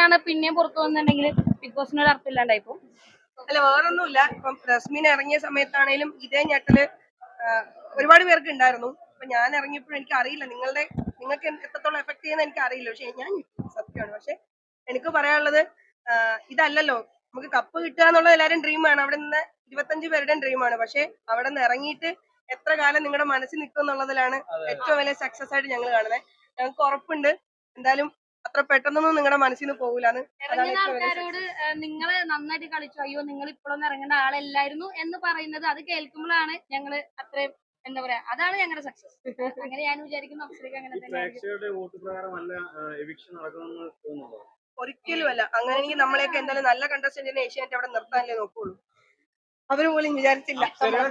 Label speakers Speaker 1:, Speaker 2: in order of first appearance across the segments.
Speaker 1: ഇങ്ങനെയാണ് പിന്നെയും പുറത്തു വന്നിട്ടുണ്ടെങ്കിൽ ബിഗ് ബോസിന് ഒരു അർത്ഥമില്ലാണ്ടായിപ്പോ.
Speaker 2: അല്ല വേറൊന്നുമില്ല. ഇപ്പം റസ്മിൻ ഇറങ്ങിയ സമയത്താണേലും ഇതേ ഞെട്ടല് ഒരുപാട് പേർക്ക് ഉണ്ടായിരുന്നു. അപ്പൊ ഞാൻ ഇറങ്ങിയപ്പോഴും എനിക്ക് അറിയില്ല നിങ്ങൾക്ക് എത്രത്തോളം എഫക്ട് ചെയ്യുന്ന എനിക്ക് അറിയില്ല. പക്ഷെ ഞാൻ സത്യമാണ്. പക്ഷെ എനിക്ക് പറയാനുള്ളത് ഇതല്ലല്ലോ നമുക്ക് കപ്പ് കിട്ടുക എന്നുള്ളത് എല്ലാവരും ഡ്രീമാണ്. അവിടെ നിന്ന് 25 പേരുടെയും ഡ്രീമാണ്. പക്ഷെ അവിടെ നിന്ന് ഇറങ്ങിയിട്ട് എത്ര കാലം നിങ്ങളുടെ മനസ്സിൽ നിൽക്കും എന്നുള്ളതിലാണ് ഏറ്റവും വലിയ സക്സസ് ആയിട്ട് ഞങ്ങൾ കാണുന്നത്. ഞങ്ങൾക്ക് ഉറപ്പുണ്ട് എന്തായാലും അത്ര പെട്ടെന്നൊന്നും നിങ്ങളുടെ മനസ്സിൽ നിന്ന് പോകില്ലാന്ന്.
Speaker 1: ഇറങ്ങുന്ന ആൾക്കാരോട് നിങ്ങള് നന്നായിട്ട് കളിച്ചു, അയ്യോ നിങ്ങൾ ഇപ്പോഴൊന്നും ഇറങ്ങേണ്ട ആളല്ലായിരുന്നു എന്ന് പറയുന്നത് അത് കേൾക്കുമ്പോഴാണ് ഞങ്ങള് അത്രയും എന്താ പറയാ, അതാണ് ഞങ്ങളുടെ സക്സസ്. അങ്ങനെ ഞാൻ വിചാരിക്കുന്നു. അപ്സരയ്ക്ക് അങ്ങനെ തന്നെ
Speaker 2: ഒരിക്കലും അല്ല. അങ്ങനെയെങ്കിൽ നമ്മളെയൊക്കെ എന്തായാലും നല്ല കണ്ടസ്റ്റന്റിനെ ഏഷ്യാനെറ്റ് അവിടെ നിർത്താനല്ലേ നോക്കുള്ളൂ. അവര് പോലും വിചാരിച്ചില്ല.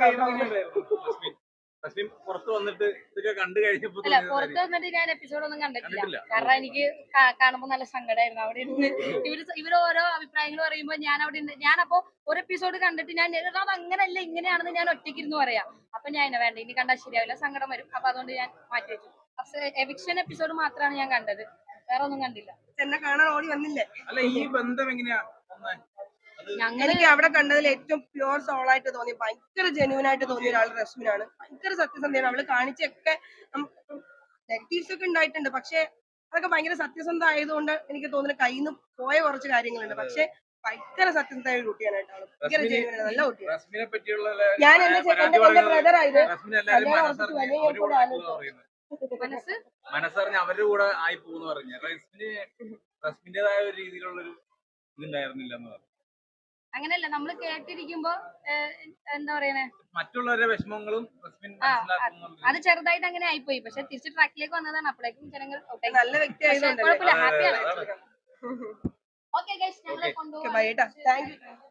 Speaker 3: പുറത്ത് വന്നിട്ട്
Speaker 1: അല്ല, പുറത്ത് വന്നിട്ട് ഞാൻ എപ്പിസോഡ് ഒന്നും കണ്ടിട്ടില്ല. കാരണം എനിക്ക് കാണുമ്പോൾ നല്ല സങ്കടമായിരുന്നു. അവിടെ ഇരുന്ന് ഇവര് ഓരോ അഭിപ്രായങ്ങൾ പറയുമ്പോൾ ഞാൻ അവിടെ ഞാനപ്പോ ഒരു എപ്പിസോഡ് കണ്ടിട്ട് ഞാൻ അത് അങ്ങനെയല്ല ഇങ്ങനെയാണെന്ന് ഞാൻ ഒറ്റയ്ക്കിരുന്ന് പറയാം. അപ്പൊ ഞാൻ വേണ്ട ഇനി കണ്ടാൽ ശരിയാവില്ല, സങ്കടം വരും. അപ്പൊ അതുകൊണ്ട് ഞാൻ മാറ്റി വെച്ചു. എവിക്ഷൻ എപ്പിസോഡ് മാത്രമാണ് ഞാൻ കണ്ടത്, വേറെ ഒന്നും കണ്ടില്ല.
Speaker 2: എന്നെ കാണാൻ ഓടി വന്നില്ലേ?
Speaker 3: അല്ല, ഈ ബന്ധം എങ്ങനെയാ?
Speaker 2: എനിക്ക് അവിടെ കണ്ടതിൽ ഏറ്റവും പ്യുവർ സോളായിട്ട് തോന്നി, ഭയങ്കര ജെന്യൂൻ ആയിട്ട് തോന്നിയ ഒരാൾ റസ്മിനാണ്. ഭയങ്കര സത്യസന്ധയാണ്. അവള് കാണിച്ചൊക്കെ നെഗറ്റീവ്സ് ഒക്കെ ഉണ്ടായിട്ടുണ്ട്. പക്ഷെ അതൊക്കെ ഭയങ്കര സത്യസന്ധ ആയതുകൊണ്ട് എനിക്ക് തോന്നുന്നു കയ്യിൽ നിന്ന് പോയ കുറച്ച് കാര്യങ്ങളുണ്ട്. പക്ഷെ ഭയങ്കര സത്യസന്ധമായ ഒരു കുട്ടിയാണ് കേട്ടോ. ഭയങ്കര ജെന്യൂൻ ആണ്, നല്ല കുട്ടിയാണ്. ഞാൻ എന്റെ ബ്രദർ ആയത്
Speaker 3: മനസ്സറിഞ്ഞ് അവരുടെ കൂടെ ആയി പോകുന്നു പറഞ്ഞു. റസ്മിന്റേതായ ഒരു രീതിയിലുള്ളൊരു ഇതുണ്ടായിരുന്നില്ല എന്ന് പറഞ്ഞു.
Speaker 1: അങ്ങനെയല്ല, നമ്മള് കേട്ടിരിക്കുമ്പോ എന്താ പറയണേ,
Speaker 3: മറ്റുള്ളവരുടെ വിഷമങ്ങളും
Speaker 1: അത് ചെറുതായിട്ട് അങ്ങനെ ആയിപ്പോയി. പക്ഷെ തിരിച്ച് ട്രാക്കിലേക്ക് വന്നതാണ്. അപ്പോഴേക്കും ജനങ്ങൾ
Speaker 2: നല്ല വ്യക്തി ആയതുകൊണ്ട്
Speaker 1: കുഴപ്പമില്ല, ഹാപ്പിയാണ്. ഓക്കെ ഗൈസ്, ഞങ്ങളെ കൊണ്ടുപോകാം.
Speaker 2: Thank U.